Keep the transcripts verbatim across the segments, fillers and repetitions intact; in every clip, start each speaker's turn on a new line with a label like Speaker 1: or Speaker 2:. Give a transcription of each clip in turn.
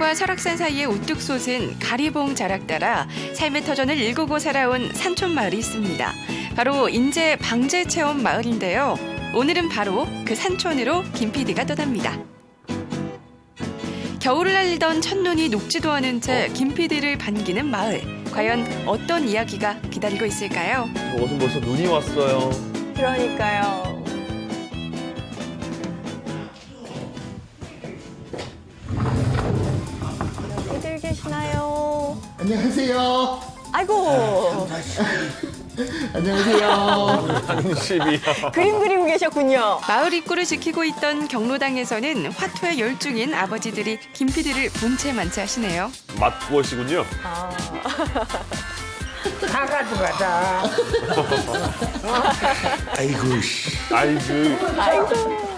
Speaker 1: 산과 설악산 사이에 우뚝 솟은 가리봉 자락 따라 삶의 터전을 일구고 살아온 산촌 마을이 있습니다. 바로 인제 방제체험 마을인데요. 오늘은 바로 그 산촌으로 김 피디가 떠납니다. 겨울을 알리던 첫눈이 녹지도 않은 채 김 피디를 반기는 마을. 과연 어떤 이야기가 기다리고 있을까요?
Speaker 2: 어서 벌써 눈이 왔어요.
Speaker 3: 그러니까요. 여기들 계시나요?
Speaker 4: 안녕하세요.
Speaker 3: 아이고,
Speaker 4: 안녕하세요.
Speaker 2: 한십이야.
Speaker 3: 그림 그리고 계셨군요.
Speaker 1: 마을 입구를 지키고 있던 경로당에서는 화투에 열중인 아버지들이 김 피디를 본체 만체하시네요.
Speaker 2: 맛구엇이군요.
Speaker 3: 아,
Speaker 5: 다 가져가자.
Speaker 4: 아이고 씨.
Speaker 2: 아이고.
Speaker 3: 아이고.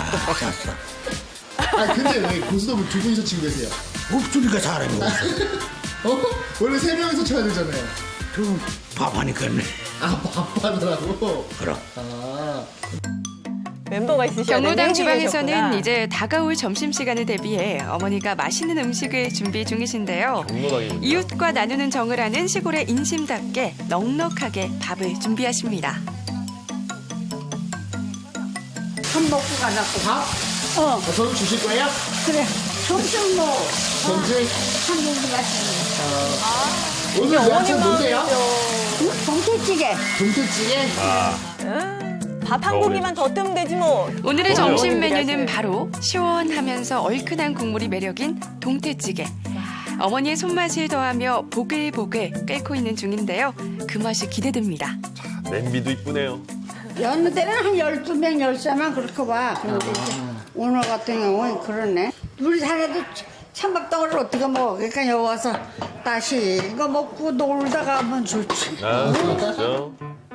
Speaker 4: 아 근데 왜 고스톱을 두 분이서 치고 계세요?
Speaker 5: 목소리가 사람이 없어.
Speaker 4: 어? 원래 세 명이서 쳐야 되잖아요.
Speaker 5: 좀 밥하니까네.
Speaker 4: 아 바빠더라고.
Speaker 5: 그럼.
Speaker 4: 아
Speaker 3: 멤버가 있으셔야
Speaker 1: 경로당
Speaker 3: 되는
Speaker 1: 주방에서는
Speaker 3: 계셨구나.
Speaker 1: 이제 다가올 점심시간을 대비해 어머니가 맛있는 음식을 준비 중이신데요.
Speaker 2: 경로당입니다.
Speaker 1: 이웃과 나누는 정을 아는 시골의 인심답게 넉넉하게 밥을 준비하십니다.
Speaker 5: 밥 먹고 가자고.
Speaker 4: 밥?
Speaker 5: 어,
Speaker 4: 어, 저도 주실 거예요?
Speaker 5: 그래. 점심 뭐.
Speaker 4: 전지?
Speaker 5: 한 공기 같은
Speaker 4: 오늘 야채 뭔데요?
Speaker 5: 거. 동태찌개.
Speaker 4: 동태찌개?
Speaker 3: 밥 한 고기만 더 뜨면 되지 뭐.
Speaker 1: 오늘의
Speaker 2: 그럼요.
Speaker 1: 점심 메뉴는 바로 시원하면서 얼큰한 국물이 매력인 동태찌개. 어머니의 손맛을 더하며 보글보글 끓고 있는 중인데요. 그 맛이 기대됩니다.
Speaker 2: 냄비도 이쁘네요.
Speaker 5: 여느 때는 한 열두 명, 열세만 그렇게 봐. 그런데 이제 오늘 같은 경우는 그러네. 우리 살아도 찬밥덩어리를 어떻게 먹어. 그러니까 여기 와서 다시 이거 먹고 놀다가 하면 좋지.
Speaker 2: 아, 그렇죠.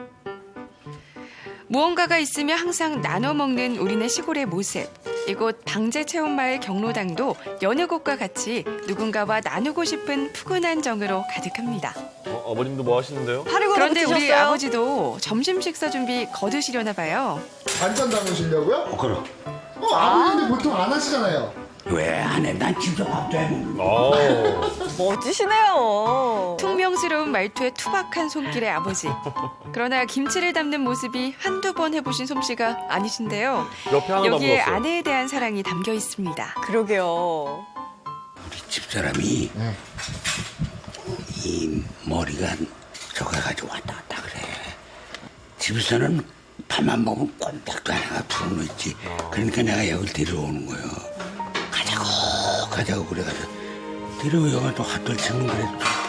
Speaker 1: 무언가가 있으면 항상 나눠 먹는 우리네 시골의 모습. 이곳 방제체험마을 경로당도 여느 곳과 같이 누군가와 나누고 싶은 푸근한 정으로 가득합니다.
Speaker 2: 어, 어머님도 뭐 하시는데요?
Speaker 3: 파리고
Speaker 1: 그런데 우리
Speaker 3: 붙이셨어요?
Speaker 1: 아버지도 점심 식사 준비 거두시려나 봐요.
Speaker 4: 반찬 담으시려고요?
Speaker 5: 어, 그럼.
Speaker 4: 어 아버지인데 보통 안 하시잖아요.
Speaker 5: 왜 안 해? 난 진짜 밥도 해 먹는
Speaker 2: 어.
Speaker 3: 멋지시네요.
Speaker 1: 퉁명스러운 말투에 투박한 손길의 아버지. 그러나 김치를 담는 모습이 한두 번 해보신 솜씨가 아니신데요.
Speaker 2: 옆에 하나
Speaker 1: 여기에
Speaker 2: 남았어요.
Speaker 1: 아내에 대한 사랑이 담겨 있습니다.
Speaker 3: 그러게요.
Speaker 5: 우리 집사람이
Speaker 4: 네.
Speaker 5: 이 머리가 저거 가지고 왔다 갔다 그래. 집에서는 밥만 먹으면 꼼짝도 안 하고 풀어놓지. 그러니까 내가 여기 데려오는 거예요. 가자고 가자고 그래가지고 데려오다가 또 핫돌 치면 그래.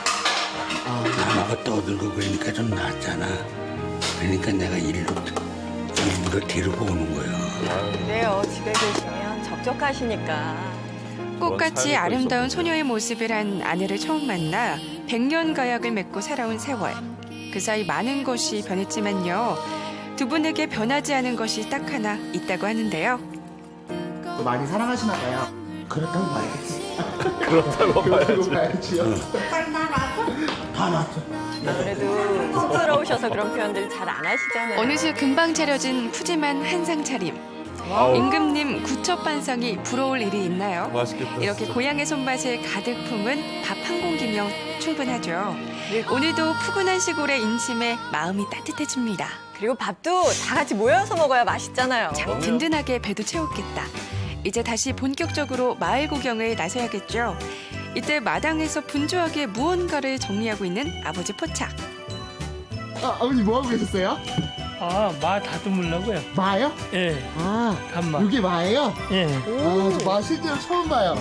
Speaker 5: 나무가 떠들고 그러니까 좀 낫잖아. 그러니까 내가 일로 일부러 데리고 오는 거예요.
Speaker 3: 그래요. 집에 계시면 적적하시니까.
Speaker 1: 꽃같이
Speaker 2: 삶이 또
Speaker 1: 아름다운
Speaker 2: 있었군요.
Speaker 1: 소녀의 모습을 한 아내를 처음 만나 백년 가약을 맺고 살아온 세월. 그 사이 많은 것이 변했지만요. 두 분에게 변하지 않은 것이 딱 하나 있다고 하는데요.
Speaker 4: 또 많이 사랑하시나 봐요.
Speaker 5: 그렇다고 봐야지.
Speaker 2: 그렇다고
Speaker 4: 그러고
Speaker 2: 봐야지.
Speaker 4: 봐야지요.
Speaker 5: 다 놨어.
Speaker 3: 아무래도 쑥스러우셔서 그런 표현들 잘 안 하시잖아요.
Speaker 1: 어느새 금방 차려진 푸짐한 한상 차림.
Speaker 2: 아우,
Speaker 1: 임금님 구첩반상이 부러울 일이 있나요?
Speaker 2: 맛있겠다.
Speaker 1: 이렇게
Speaker 2: 진짜.
Speaker 1: 고향의 손맛을 가득 품은 밥 한 공기면 충분하죠. 오늘도 푸근한 시골의 인심에 마음이 따뜻해집니다.
Speaker 3: 그리고 밥도 다 같이 모여서 먹어야 맛있잖아요.
Speaker 1: 참 든든하게 배도 채웠겠다. 이제 다시 본격적으로 마을 구경을 나서야겠죠. 이때 마당에서 분주하게 무언가를 정리하고 있는 아버지 포착.
Speaker 4: 아 아버님 뭐 하고 계셨어요?
Speaker 6: 아, 마 다듬으려고요.
Speaker 4: 마요?
Speaker 6: 예,
Speaker 4: 아
Speaker 6: 단마.
Speaker 4: 이게 마예요?
Speaker 6: 예.
Speaker 4: 아저 마 실제로 처음 봐요.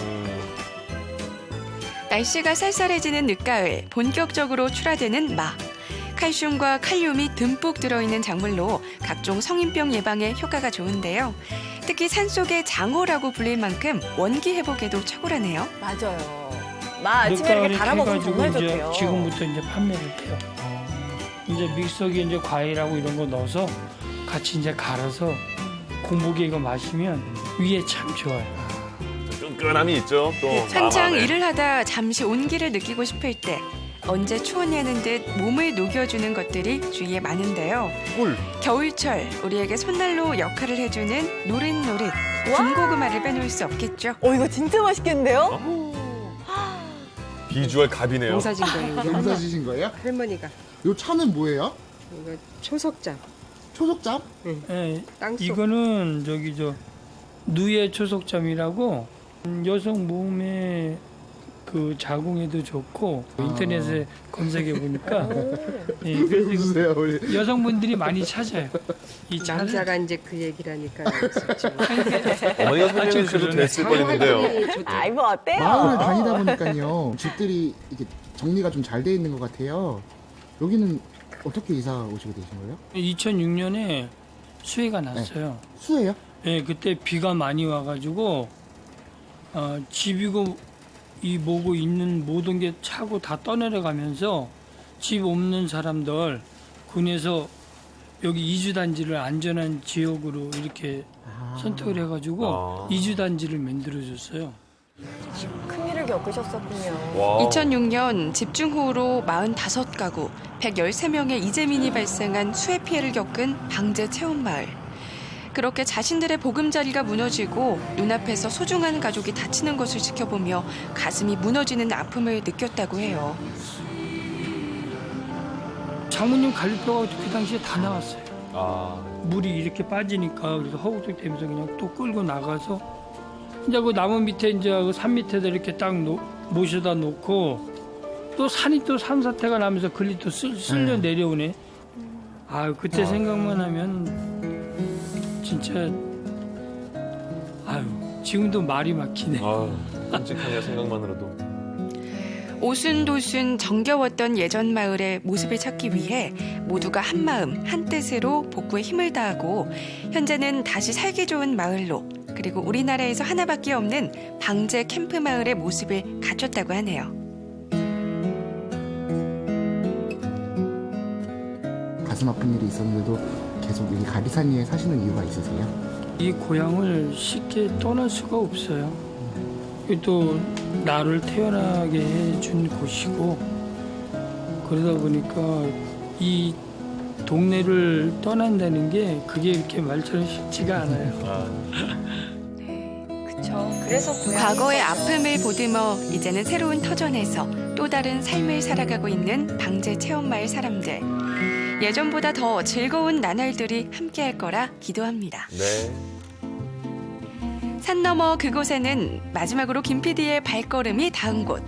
Speaker 1: 날씨가 쌀쌀해지는 늦가을 본격적으로 출하되는 마. 칼슘과 칼륨이 듬뿍 들어있는 작물로 각종 성인병 예방에 효과가 좋은데요. 특히 산속의 장어라고 불릴 만큼 원기 회복에도 탁월하네요.
Speaker 3: 맞아요. 마 아침에 이렇게
Speaker 6: 늦가을에
Speaker 3: 갈아 먹으면
Speaker 6: 캐가지고
Speaker 3: 정말
Speaker 6: 이제
Speaker 3: 좋대요.
Speaker 6: 지금부터 이제 판매를 해요. 이제 믹서기에 이제 과일하고 이런 거 넣어서 같이 이제 갈아서 공복에 이거 마시면 위에 참 좋아요.
Speaker 2: 끈끈함이 있죠. 또
Speaker 1: 한창
Speaker 2: 마음 안에.
Speaker 1: 일을 하다 잠시 온기를 느끼고 싶을 때 언제 추웠냐는 듯 몸을 녹여주는 것들이 주위에 많은데요.
Speaker 2: 꿀.
Speaker 1: 겨울철 우리에게 손난로 역할을 해주는 노릇노릇
Speaker 3: 와.
Speaker 1: 군고구마를 빼놓을 수 없겠죠.
Speaker 3: 어, 이거 진짜 맛있겠는데요?
Speaker 2: 어? 비주얼 갑이네요.
Speaker 7: 농사진 거예요. 우리
Speaker 4: 농사
Speaker 7: 할머-
Speaker 4: 지신 거예요?
Speaker 7: 할머니가
Speaker 4: 요 차는 뭐예요?
Speaker 7: 이거 초석장,
Speaker 4: 초석잡?
Speaker 6: 예,
Speaker 7: 땅속.
Speaker 6: 이거는 저기 저 누에 초석잠이라고 음, 여성 몸에 그 자궁에도 좋고 인터넷에 검색해 보니까 예, 그래서 이거
Speaker 4: 주세요 우리.
Speaker 6: 여성분들이 많이 찾아요. 이 차를.
Speaker 7: 남자가 이제 그 얘기라니까 알겠었죠.
Speaker 2: 어머니가 설명해
Speaker 6: 좀
Speaker 2: 주셔도
Speaker 6: 그러네.
Speaker 2: 됐을 뻔했는데요.
Speaker 7: 상황이 좋다.
Speaker 3: 아이 뭐 어때요?
Speaker 4: 마을을 다니다 보니까요 집들이 이게 정리가 좀 잘 돼 있는 것 같아요. 여기는 어떻게 이사 오시게 되신 거예요?
Speaker 6: 이천육 년에 수해가 났어요.
Speaker 4: 수예요?
Speaker 6: 예, 그때 비가 많이 와가지고 어, 집이고 이 뭐고 있는 모든 게 차고 다 떠내려가면서 집 없는 사람들 군에서 여기 이주 단지를 안전한 지역으로 이렇게 선택을 해가지고
Speaker 2: 아.
Speaker 6: 이주 단지를 만들어줬어요.
Speaker 3: 큰일을 겪으셨었군요.
Speaker 2: 와.
Speaker 1: 이천육 년 집중호우로 사십오 가구, 백십삼 명의 이재민이 발생한 수해 피해를 겪은 방제 체험마을. 그렇게 자신들의 보금자리가 무너지고 눈앞에서 소중한 가족이 다치는 것을 지켜보며 가슴이 무너지는 아픔을 느꼈다고 해요.
Speaker 6: 장모님 갈비뼈가 그 당시에 다 나왔어요.
Speaker 2: 아.
Speaker 6: 물이 이렇게 빠지니까 그래서 허우적 되면서 그냥 또 끌고 나가서 이제 그 나무 밑에 이제 그 산 밑에다 이렇게 딱 놓, 모셔다 놓고 또 산이 또 산사태가 나면서 글리 또 쓸, 쓸려 내려오네. 아 그때 생각만 하면 진짜 아유 지금도 말이 막히네.
Speaker 2: 아, 끔찍하네요, 생각만으로도.
Speaker 1: 오순도순 정겨웠던 예전 마을의 모습을 찾기 위해 모두가 한 마음 한 뜻으로 복구에 힘을 다하고 현재는 다시 살기 좋은 마을로 그리고 우리나라에서 하나밖에 없는 방제 캠프 마을의 모습을 갖췄다고 하네요.
Speaker 4: 가슴 아픈 일이 있었는데도 계속 이 가리산리에 사시는 이유가 있으세요?
Speaker 6: 이 고향을 쉽게 떠날 수가 없어요. 또 나를 태어나게 해준 곳이고 그러다 보니까 이 동네를 떠난다는 게 그게 이렇게 말처럼 쉽지가 않아요.
Speaker 2: 아,
Speaker 3: 그쵸. 그래서 고향이
Speaker 1: 과거의
Speaker 3: 있었죠.
Speaker 1: 아픔을 보듬어 이제는 새로운 터전에서 또 다른 삶을 살아가고 있는 방제 체험마을 사람들. 예전보다 더 즐거운 나날들이 함께할 거라 기도합니다.
Speaker 2: 네.
Speaker 1: 산 너머 그곳에는 마지막으로 김 피디의 발걸음이 닿은 곳.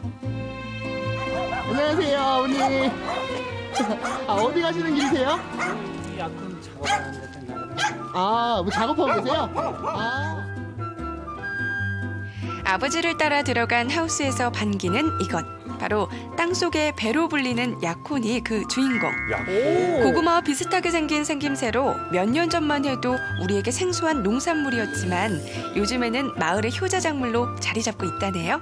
Speaker 4: 안녕하세요 어머니. 아 어디 가시는 길이세요?
Speaker 6: 약간 작업하는 데 나가요.
Speaker 4: 아 뭐 작업하고 계세요? 아.
Speaker 1: 아버지를 따라 들어간 하우스에서 반기는 이것. 바로 땅속의 배로 불리는 약혼이 그 주인공.
Speaker 2: 야.
Speaker 1: 고구마와 비슷하게 생긴 생김새로 몇 년 전만 해도 우리에게 생소한 농산물이었지만 요즘에는 마을의 효자작물로 자리 잡고 있다네요.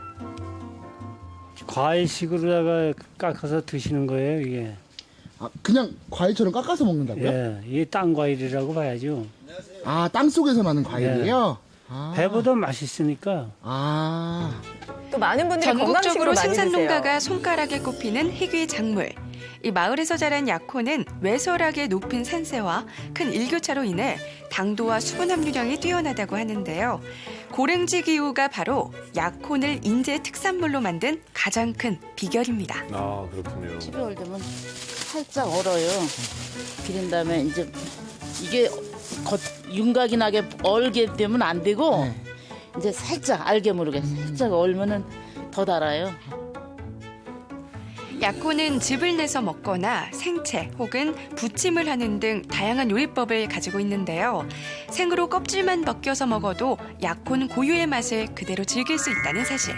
Speaker 8: 과일식으로다가 깎아서 드시는 거예요, 이게.
Speaker 4: 아 그냥 과일처럼 깎아서 먹는다고요?
Speaker 8: 예, 이게 땅 과일이라고 봐야죠.
Speaker 4: 아 땅속에서 나는 과일이에요? 아.
Speaker 8: 배보다 맛있으니까.
Speaker 4: 아.
Speaker 3: 또 많은 분들이
Speaker 1: 전국적으로
Speaker 3: 건강식으로 많이
Speaker 1: 생산
Speaker 3: 드세요.
Speaker 1: 농가가 손가락에 꼽히는 희귀 작물. 이 마을에서 자란 약혼은 외설하게 높은 산세와 큰 일교차로 인해 당도와 수분 함유량이 뛰어나다고 하는데요. 고랭지 기후가 바로 약혼을 인제 특산물로 만든 가장 큰 비결입니다.
Speaker 2: 아, 그렇군요.
Speaker 9: 십이월 되면 살짝 얼어요. 비린 다음에 이제 이게 겉 윤곽이 나게 얼게 되면 안 되고
Speaker 4: 네.
Speaker 9: 이제 살짝 알게 모르게 살짝 얼면은 더 달아요.
Speaker 1: 약혼은 즙을 내서 먹거나 생채 혹은 부침을 하는 등 다양한 요리법을 가지고 있는데요. 생으로 껍질만 벗겨서 먹어도 약혼 고유의 맛을 그대로 즐길 수 있다는 사실.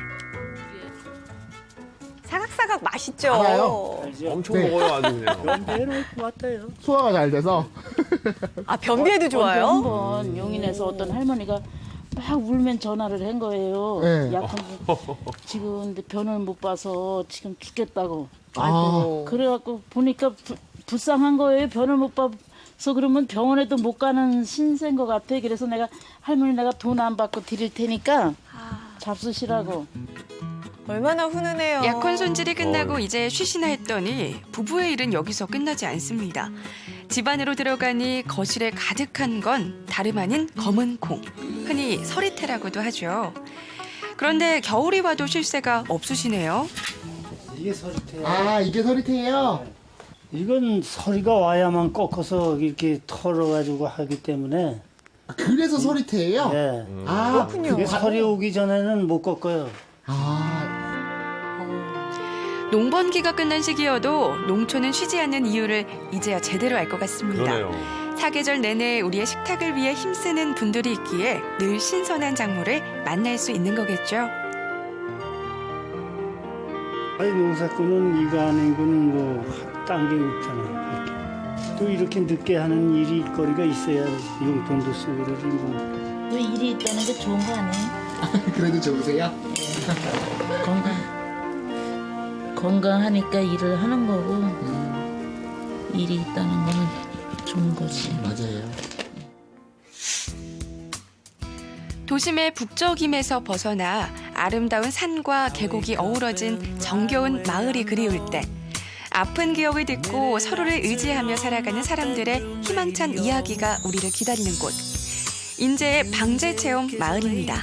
Speaker 3: 사각사각 맛있죠.
Speaker 4: 알아요.
Speaker 2: 엄청
Speaker 4: 네.
Speaker 2: 먹어요, 아주 그냥.
Speaker 8: 연배는 같아요.
Speaker 4: 소화가 잘 돼서.
Speaker 3: 아 변비에도 좋아요.
Speaker 9: 한번 용인에서 어떤 할머니가 막 울면 전화를 한 거예요.
Speaker 4: 네.
Speaker 9: 약혼 지금 근데 변을 못 봐서 지금 죽겠다고.
Speaker 4: 아.
Speaker 9: 그래갖고 보니까 부, 불쌍한 거예요. 변을 못 봐서 그러면 병원에도 못 가는 신세인 것 같아. 그래서 내가 할머니 내가 돈 안 받고 드릴 테니까 잡수시라고.
Speaker 3: 얼마나 훈훈해요.
Speaker 1: 약혼 손질이 끝나고
Speaker 2: 어이.
Speaker 1: 이제 쉬시나 했더니 부부의 일은 여기서 끝나지 않습니다. 집 안으로 들어가니 거실에 가득한 건 다름 아닌 검은 콩, 흔히 서리태라고도 하죠. 그런데 겨울이 와도 쉴 새가 없으시네요.
Speaker 8: 이게 서리태예요.
Speaker 4: 아, 이게 서리태예요?
Speaker 8: 이건 서리가 와야만 꺾어서 이렇게 털어가지고 하기 때문에.
Speaker 4: 아, 그래서 서리태예요?
Speaker 8: 예.
Speaker 4: 아,
Speaker 8: 그게 서리 오기 전에는 못 꺾어요.
Speaker 4: 아,
Speaker 1: 농번기가 끝난 시기여도 농촌은 쉬지 않는 이유를 이제야 제대로 알 것 같습니다.
Speaker 2: 그러네요.
Speaker 1: 사계절 내내 우리의 식탁을 위해 힘쓰는 분들이 있기에 늘 신선한 작물을 만날 수 있는 거겠죠.
Speaker 8: 아니 농사꾼은 이거 아니고는 뭐 딴 게 없잖아요. 할 게. 또 이렇게 늦게 하는 일이 거리가 있어야 용돈도 쓰고 그러지 뭐.
Speaker 9: 또 일이 있다는 게 좋은 거 아니에요?
Speaker 4: 그래도 좋으세요?
Speaker 9: 건강. 건강하니까 일을 하는 거고
Speaker 4: 음,
Speaker 9: 일이 있다는 거는 좋은 거지.
Speaker 4: 맞아요.
Speaker 1: 도심의 북적임에서 벗어나 아름다운 산과 계곡이 어우러진 정겨운 마을이 그리울 때 아픈 기억을 듣고 서로를 의지하며 살아가는 사람들의 희망찬 이야기가 우리를 기다리는 곳. 인제의 방제체험 마을입니다.